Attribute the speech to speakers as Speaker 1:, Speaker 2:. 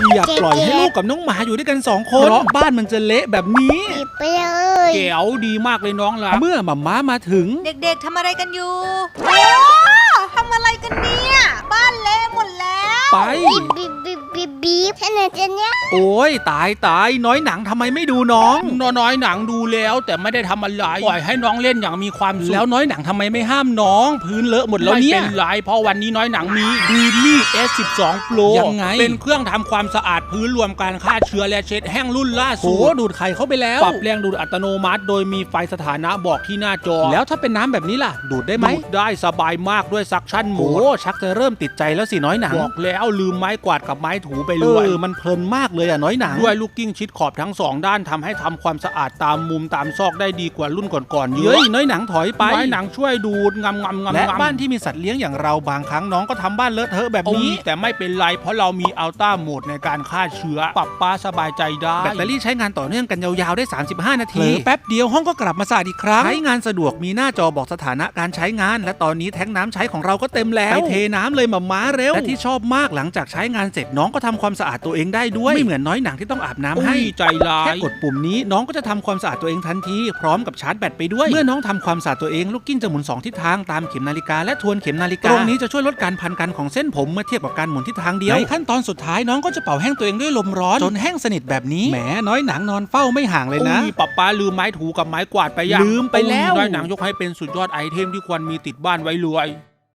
Speaker 1: อย่าปล่อยให้ลูกกับน้องหมาอยู่ด้วยกัน2 คนเพราะบ้านมันจะเละแบบนี้
Speaker 2: ไปเลย
Speaker 3: เก๋วดีมากเลยน้องรัก
Speaker 1: เมื่อหม่าม้ามาถึง
Speaker 4: เด็กๆทำอะไรกันอยู่โอ้ทำอะไรกันเนี่ยบ้านเละหมดแล้ว
Speaker 1: ไป
Speaker 2: บีบแค่ไหนจะเนี่ย
Speaker 1: โอ้ยตายน้อยหนังทำไมไม่ดูน้อง
Speaker 3: น้อยหนังดูแล้วแต่ไม่ได้ทำอะไรปล่อยให้น้องเล่นอย่างมีความสุข
Speaker 1: แล้วน้อยหนังทำไมไม่ห้ามน้องพื้นเลอะหมดแล้วเนี่ย
Speaker 3: ไม่เป็นไรเพราะวันนี้น้อยหนังมีดีนี่ S12 Pro
Speaker 1: ยังไง
Speaker 3: เป็นเครื่องทำความสะอาดพื้นรวมการฆ่าเชื้อและเช็ดแห้งรุ่นล่าสุด
Speaker 1: ดูดไข่เข้าไปแล้ว
Speaker 3: ปรับแรงดูดอัตโนมัติโดยมีไฟสถานะบอกที่หน้าจอ
Speaker 1: แล้วถ้าเป็นน้ำแบบนี้ล่ะดูดได้ไหม
Speaker 3: ดูดได้สบายมากด้วยซักชั่นโหมด
Speaker 1: ชักจะเริ่มติดใจแล้วสิน้อยหนัง
Speaker 3: บอกแล้วลืมไม้กวาดกับไม้ถูไปเลย
Speaker 1: มันเพลินมากเลยอ่ะน้อยหนัง
Speaker 3: ด้วยลูกกิ้งชิดขอบทั้ง2ด้านทำให้ทำความสะอาดตามมุมตามซอกได้ดีกว่ารุ่นก่อนๆเยอะ
Speaker 1: น้อยหนังถอยไป
Speaker 3: น้อยหนังช่วยดูดงำ
Speaker 1: และบ้านที่มีสัตว์เลี้ยงอย่างเราบางครั้งน้องก็ทำบ้านเลอะเทอะแบบนี้
Speaker 3: แต่ไม่เป็นไรเพราะเรามีอัลต้าโหมดในการฆ่าเชื้อปรับป้าสบายใจได้
Speaker 1: แบตเตอรี่ใช้งานต่อเนื่องกันยาวๆได้35 นาทีแป๊บเดียวห้องก็กลับมาสะอาดอีกครั้งใช้งานสะดวกมีหน้าจอบอกสถานะการใช้งานและตอนนี้แท้งน้ำใช้ของเราก็เต็มแล้วไปเทน้ำเลยหม่าม้าเร็วและที่ชอบมากหลังจากใช้งานเสร็จน้องก็ทำความสะอาดตัวเองได้ด้วยไม่เหมือนน้อยหนังที่ต้องอาบน้ำให้
Speaker 3: ใจร้าย
Speaker 1: แค่กดปุ่มนี้น้องก็จะทำความสะอาดตัวเองทันทีพร้อมกับชาร์จแบตไปด้วยเมื่อน้องทำความสะอาดตัวเองลูกกิ้งจะหมุน2ทิศทางตามเข็มนาฬิกาและทวนเข็มนาฬิกาตรงนี้จะช่วยลดการพันกันของเส้นผมเมื่อเทียบกับการหมุนทิศทางเดียวในขั้นตอนสุดท้ายน้องก็จะเป่าแห้งตัวเองด้วยลมร้อนจนแห้งสนิทแบบนี้แหมน้อยหนังนอนเฝ้าไม่ห่างเลยนะ
Speaker 3: ป้าลืมไม้ถูกับไม้กวาดไปยัง
Speaker 1: ลืมไปแล้ว
Speaker 3: น้อยหนังยกให้เป็นสุดยอดไอเทมที่ควรมีติดบ้านไว้เลย